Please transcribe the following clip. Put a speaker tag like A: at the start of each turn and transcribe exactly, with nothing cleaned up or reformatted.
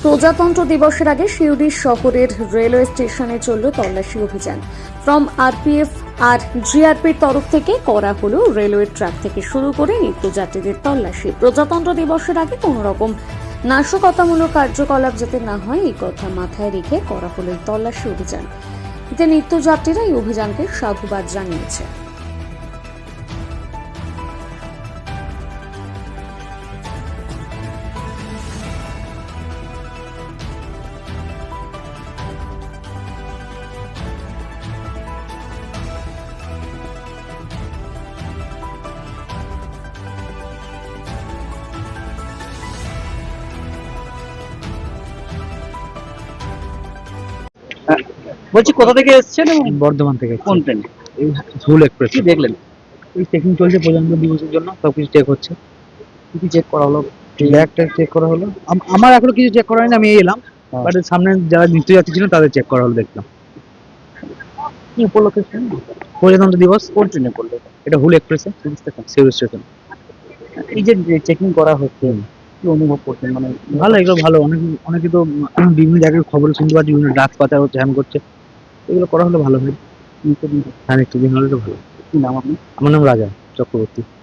A: প্রজাতন্ত্র দিবসের আগে শিউরি শহরের রেলওয়ে স্টেশনে চলল তল্লাশি অভিযান। ফ্রম আরপিএফ আর জিআরপির তরফ থেকে করা হলো রেলওয়ে ট্র্যাক থেকে শুরু করে নিত্যযাত্রীদের তল্লাশি। প্রজাতন্ত্র দিবসের আগে কোনো রকম নাশকতামূলক কার্যকলাপ যাতে না হয় এই কথা মাথায় রেখে করা হলো এই তল্লাশি অভিযান। এতে নিত্যযাত্রীরা এই অভিযানকে সাধুবাদ জানিয়েছে।
B: বলছি কোথা থেকে এসেছেন এবং
C: বর্ধমান থেকে
B: কোন ট্রেনে?
C: এই ঝুল এক্সপ্রেস
B: কি দেখলেন?
C: এই চেকিং চলছে প্রজাতন্ত্র দিবসের জন্য, সবকিছু চেক হচ্ছে।
B: কি কি চেক করা হলো?
C: ব্যাগটা চেক করা হলো। আম- আমার এখনো কিছু চেক করা হয়নি, আমি এই এলাম।
B: হ্যাঁ।
C: বাট সামনে যারা নিত্যযাত্রী ছিলেন তাদের চেক করা হলো, দেখলাম।
B: কি উপলক্ষে ছিলেন?
C: প্রজাতন্ত্র দিবস।
B: কোন ট্রেনে করলো?
C: এটা হুল এক্সপ্রেসে, সিউড়ি স্টেশন।
B: এই যে চেকিং করা হচ্ছে, কি অনুভব করছেন? মানে
C: ভালো, এগুলো ভালো। অনেক অনেকে তো উম, বিভিন্ন জায়গায় খবর শুনতে পাচ্ছি, বিভিন্ন ড্রাগস পাচার হচ্ছে, হ্যাম করছে। এগুলো করা হলে ভালো হয়।
B: নিত্যদিন
C: হ্যাঁ, নিত্যদিন হলে তো ভালো।
B: কি নাম আপনি?
C: আমার নাম রাজা চক্রবর্তী।